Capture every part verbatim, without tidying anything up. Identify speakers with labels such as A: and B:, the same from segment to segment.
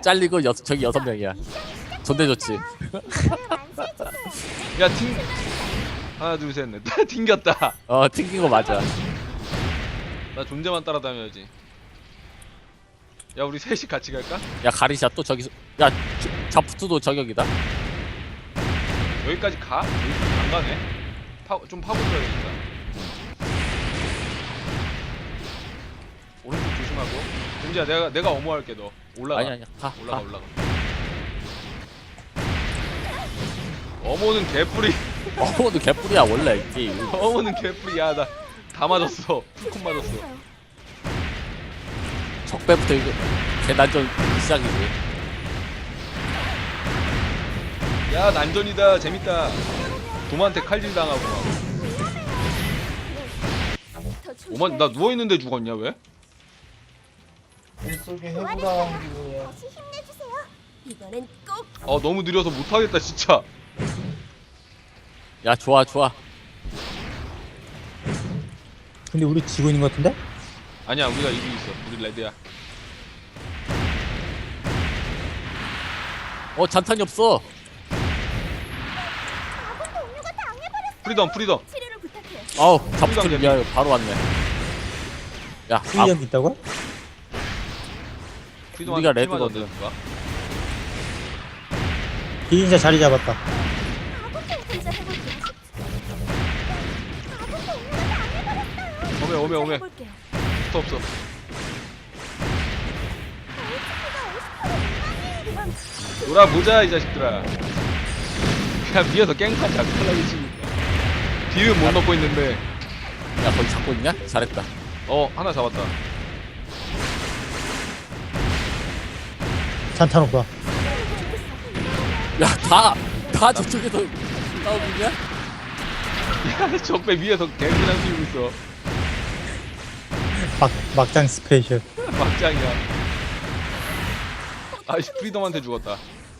A: 잘리고 여, 저기 여섯 명이야. 존대 좋지.
B: 야 튕. 하나 둘 셋 넷. 튕겼다.
A: 어 튕긴 거 맞아.
B: 나 존재만 따라다녀야지. 야 우리 셋이 같이 갈까?
A: 야 가리샤 또 저기서 야 자푸트도 저격이다.
B: 여기까지 가? 여기까지 안 가네. 파, 좀 파고 들어야겠다. 오른쪽 조심하고. 은지야 내가 내가 어머할게 너. 올라가.
A: 아니 아니야 가.
B: 올라가
A: 가.
B: 올라가. 어머는 개뿔이.
A: 어머도 개뿔이야 원래 이 게임.
B: 어머는 개뿔이야. 나 다 맞았어. 풀콤 맞았어.
A: 적배부터 이거 개난전 시작이지.
B: 야 난전이다. 재밌다. 도마한테 칼질 당하고 막. 오만 나 누워 있는데 죽었냐 왜?
C: 뱃속에 해부당한 기분이야.
D: 다시 힘내주세요. 이번엔 꼭
B: 아 너무 느려서 못하겠다 진짜.
A: 야 좋아 좋아.
C: 근데 우리 지고 있는 것 같은데?
B: 아니야 우리가 이기고 있어. 우리 레드야.
A: 어 잔탄이 없어.
D: 아군 동료가 당해버렸어.
B: 프리덤 프리덤.
D: 치료를 부탁해.
A: 아우 자푸트 미안 바로 왔네. 야 아,
C: 훈련 있다고?
B: 프리덤
A: 우리가 레드거든.
C: 기인자 자리 잡았다.
D: 아군 혼자 해볼게요. 아군 동료가 당해버렸어요.
B: 오메 오메 오메.
D: 해볼게요.
B: 없어 없어. 놀아보자 이 자식들아. 그냥 위에서 깽판 작살나게 치니까 딜은 못 넣고 있는데.
A: 야 거기 잡고 있냐? 잘했다.
B: 어 하나 잡았다.
C: 잔탄 오빠.
A: 야다 다 저쪽에서 싸우고 있냐?
B: 야 적배 위에서 개그냥 튀고 있어.
C: 막, 막장 스페셜.
B: 막장이야. 아이씨 프리덤한테 죽었다.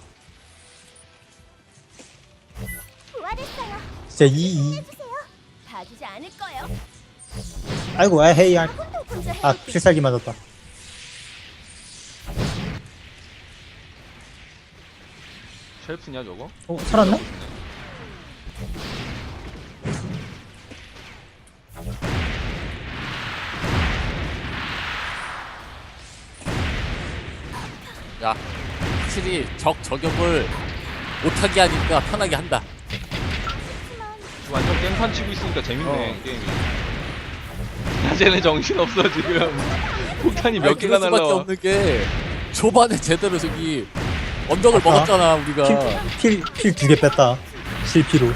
D: 부활했어요.
C: 진짜 이, 이.
D: 해주세요. 봐주지 않을 거예요.
C: 아이고, 아, 헤이, 아,
D: 아군도 혼자
C: 아,
D: 해볼게요.
C: 필살기 맞았다.
B: 쉘프냐 저거?
C: 어, 살았나?
A: 야 확실히 적 저격을 못하게 하니까 편하게 한다.
B: 지금 완전 깽판 치고 있으니까 재밌네
A: 어.
B: 게임이. 야 쟤네 정신없어 지금. 폭탄이 몇
A: 아니,
B: 개가
A: 그럴 수밖에
B: 날라와.
A: 없는 게 초반에 제대로 저기 언덕을
C: 아까
A: 먹었잖아 우리가.
C: 필, 필, 필 두 개 뺐다. 실피로.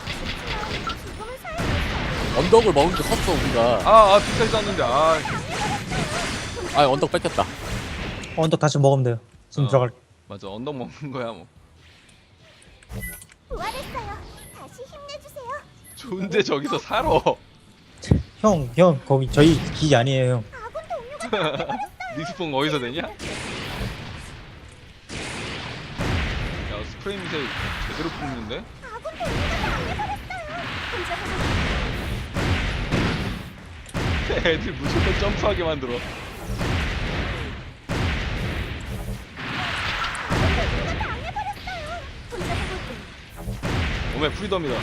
A: 언덕을 먹은 게 컸어 우리가.
B: 아아 뒷까지 쐈는데 아.
A: 아 언덕 뺏겼다.
C: 언덕 다시 먹으면 돼요. 지금
B: 어.
C: 들어갈.
B: 맞아 언덕 먹는 거야 뭐.
D: 부활했어요. 다시 힘내주세요.
B: 좋은데 저기서 살아.
C: 형, 형, 거기 저희 기지 아니에요, 형.
D: 아군 동료가
B: 리스폰 어디서 되냐? 야 스프레이 미사일 제대로 뽑는데?
D: 아군 동료가 당해버렸어요. 혼자 해볼게요.
B: 애들 무조건 점프하게 만들어.
D: 혼자 해볼게요.
B: 오메 프리덤이다.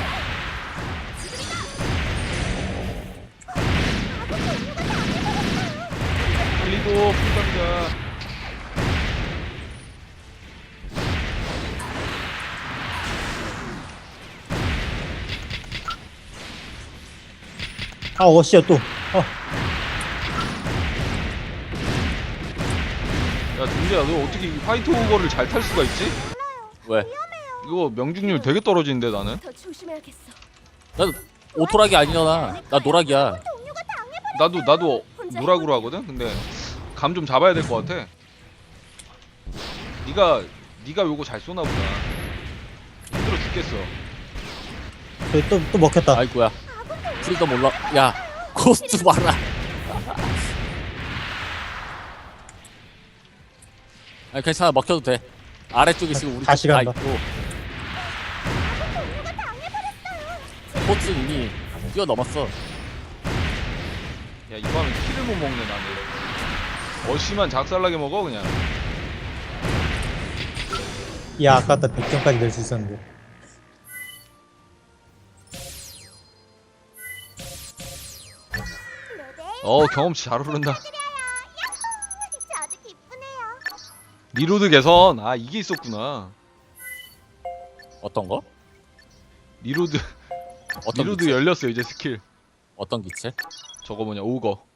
B: 달리고 프리덤이다.
C: 아, 어씨야, 또. 어,
B: 야 준재야 너 어떻게 이 화이트 오버를 잘 탈 수가 있지?
A: 왜?
B: 이거 명중률 되게 떨어지는데 나는.
D: 더 조심해야겠어.
A: 난 오토락이 아니잖아. 나 노락이야.
D: 동료가 당해버렸어요.
B: 나도 나도 노락으로 하거든. 근데 감 좀 잡아야 될 것 같아. 네가 네가 요거 잘 쏘나 보다. 힘들어 죽겠어.
C: 저기 또, 또 먹혔다.
A: 아이고야. 프리덤 올라. 야 코스트 봐라. 아니 괜찮아 먹혀도 돼. 아래쪽에 지금 우리
C: 다시
A: 다
C: 간다.
A: 있고. 코스 이미 뛰어넘었어.
B: 야 이거 하면 키를 못 먹네 나는. 어씨만 작살나게 먹어 그냥.
C: 야 아깝다 백점까지 낼 수 있었는데.
D: 네네.
B: 어 경험치 잘 오른다.
D: 야호! 저도 기쁘네요.
B: 리로드 개선. 아 이게 있었구나.
A: 어떤 거?
B: 리로드
A: 어떤
B: 리로드
A: 기체?
B: 열렸어요 이제 스킬.
A: 어떤 기체?
B: 저거 뭐냐 오거.